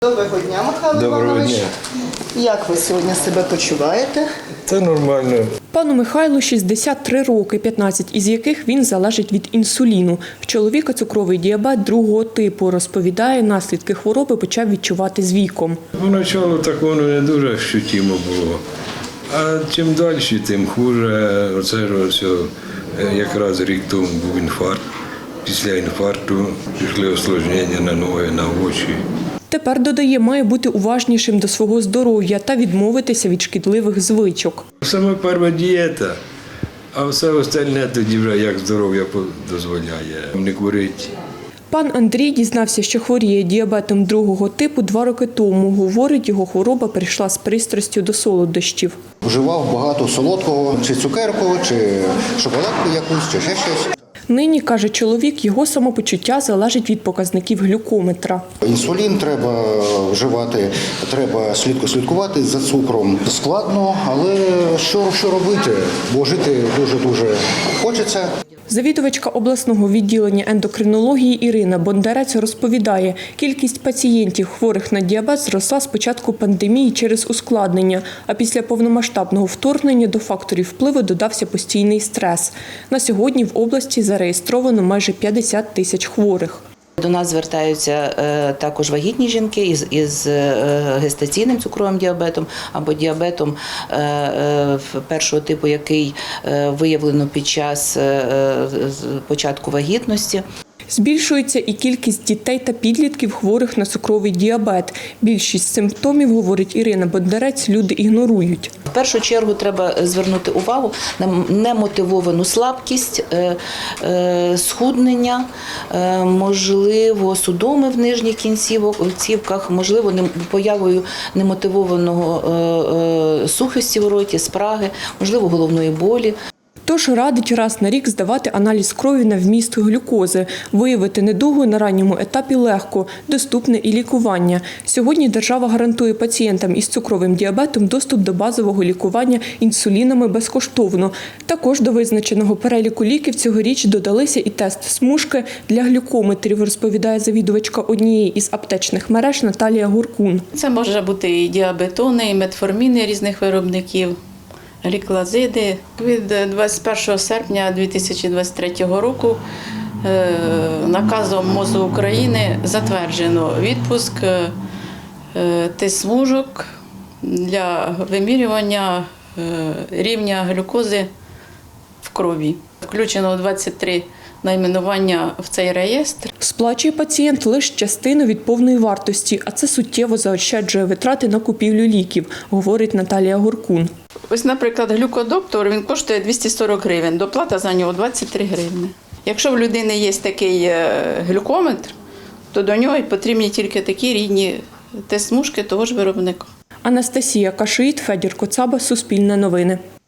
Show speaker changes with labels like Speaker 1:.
Speaker 1: Доброго дня, Михайло
Speaker 2: Доброго
Speaker 1: Іванович.
Speaker 2: дня.
Speaker 1: Як ви сьогодні себе почуваєте?
Speaker 2: Це нормально.
Speaker 3: Пану Михайлу 63 роки, 15 із яких він залежить від інсуліну. В чоловіка цукровий діабет другого типу. Розповідає, наслідки хвороби почав відчувати з віком.
Speaker 2: Поначалу так воно не дуже ощутимо було. А чим далі, тим хуже. Оце ж ось якраз рік тому був інфаркт. Після інфаркту пішли осложнення на ноги, на очі.
Speaker 3: Тепер, додає, має бути уважнішим до свого здоров'я та відмовитися від шкідливих звичок.
Speaker 2: Саме перша дієта, а все остальне тоді вже як здоров'я дозволяє. Не курить.
Speaker 3: Пан Андрій дізнався, що хворіє діабетом другого типу 2 роки тому. Говорить, його хвороба прийшла з пристрастю до солодощів.
Speaker 4: Вживав багато солодкого, чи цукерку, чи шоколадку якусь, чи ще щось.
Speaker 3: Нині, каже чоловік, його самопочуття залежить від показників глюкометра.
Speaker 4: Інсулін треба вживати, треба слідкувати за цукром. Складно, але що робити, бо жити дуже-дуже хочеться.
Speaker 3: Завідувачка обласного відділення ендокринології Ірина Бондарець розповідає, кількість пацієнтів, хворих на діабет, зросла з початку пандемії через ускладнення, а після повномасштабного вторгнення до факторів впливу додався постійний стрес. На сьогодні в області зареєстровано майже 50 тисяч хворих.
Speaker 5: До нас звертаються також вагітні жінки із гестаційним цукровим діабетом або діабетом першого типу, який виявлено під час початку вагітності.
Speaker 3: Збільшується і кількість дітей та підлітків, хворих на цукровий діабет. Більшість симптомів, говорить Ірина Бондарець, люди ігнорують.
Speaker 5: В першу чергу треба звернути увагу на немотивовану слабкість, схуднення, можливо, судоми в нижніх кінцівках, можливо, появою немотивованого сухості в роті, спраги, можливо, головної болі.
Speaker 3: Тож радить раз на рік здавати аналіз крові на вміст глюкози. Виявити недугу на ранньому етапі легко, доступне і лікування. Сьогодні держава гарантує пацієнтам із цукровим діабетом доступ до базового лікування інсулінами безкоштовно. Також до визначеного переліку ліків цьогоріч додалися і тест-смужки для глюкометрів, розповідає завідувачка однієї із аптечних мереж Наталія Гуркун.
Speaker 6: Це може бути і діабетони, і метформіни різних виробників. Гліклазиди. Від 21 серпня 2023 року наказом МОЗу України затверджено відпуск тест-смужок для вимірювання рівня глюкози в крові. Включено 23 найменування в цей реєстр.
Speaker 3: Сплачує пацієнт лише частину від повної вартості, а це суттєво заощаджує витрати на купівлю ліків, говорить Наталія Гуркун.
Speaker 6: Ось, наприклад, глюкодоктор, він коштує 240 гривень, доплата за нього 23 гривні. Якщо в людини є такий глюкометр, то до нього потрібні тільки такі рідні тест-смужки того ж виробника.
Speaker 3: Анастасія Кашиїт, Федір Коцаба, Суспільне новини.